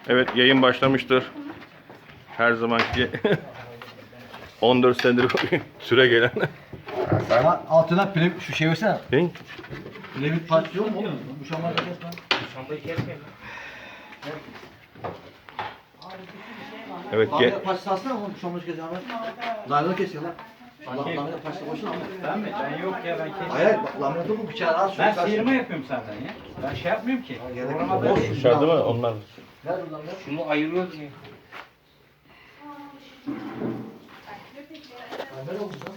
Evet, yayın başlamıştır. Her zamanki 14 senedir süre gelen. Ama altına pire şu şey versene. Ne? Piramit parça yok mu oğlum? Bu şamarda kesme. Şambayı kesmeyin. Evet, Lamina parçası alsana oğlum bu şamarda kes Ahmet. Lamina kesiyor lan. Lamina parçası boşuna Ahmet. Ben mi? Ben yok ya ben kestim. Hayır bak lamina bu bıçağı al. Ben sıyırma yapıyorum zaten ya. Ben şey yapmıyorum ki. Programda değil. dışarıda mı onlar? Ver buradan ver. Şunu ayırıyoruz ya. Ver oğlum lan.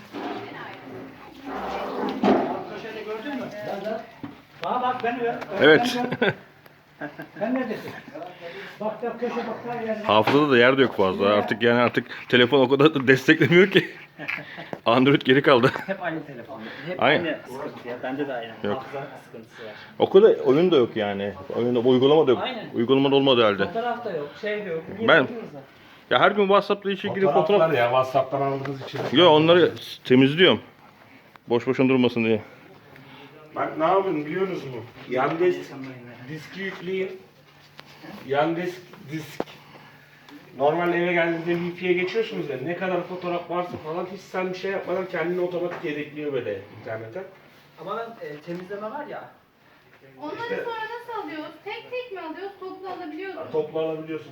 Köşede gördün mü? Bana bak beni ver. Evet. Ben neredesin? Bak da köşe bak da yer. Hafızada da yer de yok fazla. Artık telefon o kadar da desteklemiyor ki. Android geri kaldı. Hep aynı telefon. Hep Aynen. aynı sıkıntı ya. Bende de aynı. Yok. Hafıza sıkıntısı var. O kadar oyun da yok yani. Oyunda uygulama da yok. Aynen. Uygulamada olmadı halde. Fotoğraf da yok, şey de yok. Niye Ben- bakıyoruz da? Ya her gün WhatsApp'la işe girip fotoğraf... ya WhatsApp'tan aldığınız için. Yo, onları temizliyorum. Boş boşuna durmasın diye. Bak ne yapın biliyor musunuz mu? Yan diski yükleyin. Yan disk. Normal eve geldiğinizde Wi-Fi'ye geçiyorsunuz ya, ne kadar fotoğraf varsa falan hiç sen bir şey yapmadan kendini otomatik yedekliyor böyle internete. Ama ben temizleme var ya. Onları sonra nasıl alıyoruz? Tek tek mi alıyoruz? Toplu alabiliyoruz. Toplu alabiliyorsun.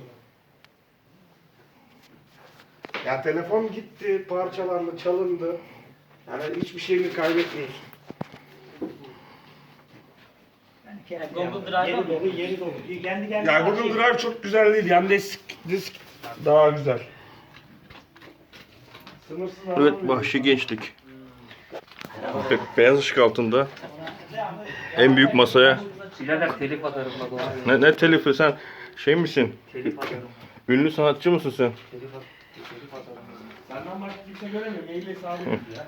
Ya telefon gitti, parçalandı, çalındı. Yani hiçbir şeyini kaybetmiyorsun. Google Drive'a Yeri mı? dolu, yeri dolu. Kendi kendine. Ya Google Drive çok güzel değil. Yan disk daha güzel. Sınırsız Evet, alamıyorsun. vahşi gençlik. Beyaz ışık altında. En büyük masaya. Birader telif atarım bak ona. Ne telifi, sen şey misin? Telif atarım. Ünlü sanatçı mısın sen? Telif atarım. Senden başka kimse göremiyor. Maille sağlık ya.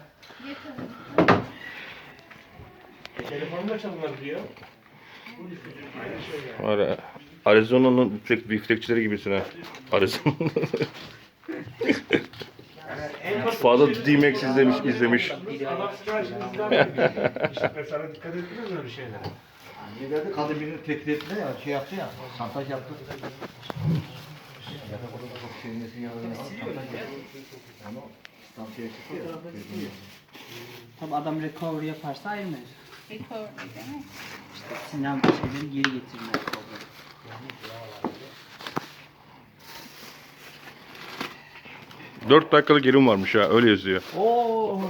Telefonum da çalınır diyor. Aynı şey yani. Var ya, Arizona'nın biftekçileri gibisin ha. Arizona. En basit Fazla şey- D-Max izlemiş. Adam siparişini izler. İşte mesela dikkat ettiniz mi öyle şeylere? Ne dedi? Kadın birini tehdit etti ya, şey yaptı ya, santaj yaptı. Ya da burada çok sevmesi yanına santaj yaptı. Ama stansiye çıktı ya. Tabi adam recovery yaparsa aynı. Recovery demek. İşte sinyal şeyleri geri getirme problemi. 4 dakikalık gerim varmış ha, öyle yazıyor. Oo.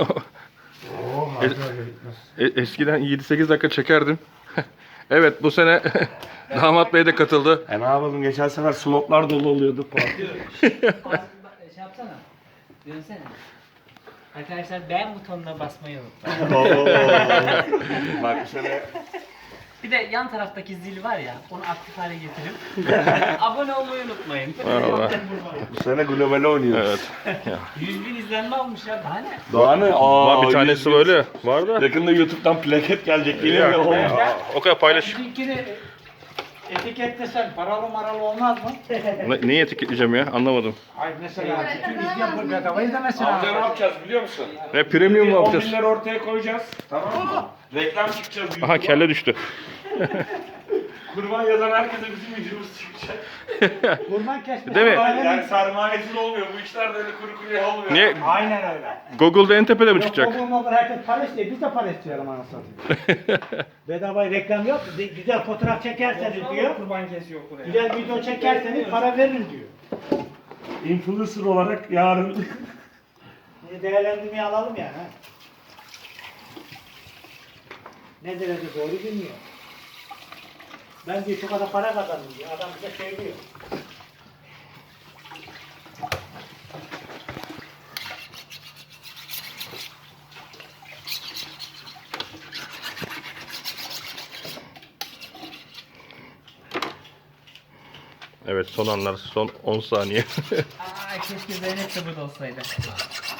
Eskiden 7-8 dakika çekerdim. Evet, bu sene Damat Bey de katıldı. Ne yapalım, geçen sefer slotlar dolu oluyordu. Şey yapsana. Dönsene. Arkadaşlar beğen butonuna basmayı unutmayın. Bak bu sene Bir de yan taraftaki zil var ya, onu aktif hale getirip abone olmayı unutmayın. Vallahi. bu sene globale oynuyoruz. Evet. 100.000 izlenme almış ya, daha ne? Daha ne? Var bir tanesi böyle. Var da. Yakında YouTube'dan plaket gelecek. Geliyor ya. O kadar paylaş. Bizimkini etiketlesen paralı maralı olmaz mı? Neyi etiketleyeceğim ya? Anlamadım. Ay mesela bütün izleyen bu bedavayı da Amca ne mesela. yapacağız biliyor musun? Ne premium mu 10 yapacağız? bin lira ortaya koyacağız. Tamam mı? Reklam çıkacağız. Aha, YouTube'a. kelle düştü. Kurban yazan herkese bizim videomuz çıkacak. Kurban kesme. Değil mi? Yani sermayesiz olmuyor. Bu işler de öyle kuru kuruya olmuyor. Niye? Aynen öyle. Google'da en tepede mi Yok çıkacak? Google herkes para istiyor. Biz de para istiyoruz anasını satayım. Bedava reklam yok. Güzel fotoğraf çekerseniz diyor. Kurban kesiyor buraya. Güzel video çekerseniz para veririm diyor. Influencer olarak yarın Şimdi değerlendirmeyi alalım yani. Ha. Ne derece doğru bilmiyor. Ben diyor şu kadar para kazandım diyor. Adam bize söylüyor. Evet, son anlar, son 10 saniye. Aa, keşke Zeynep de burada olsaydı.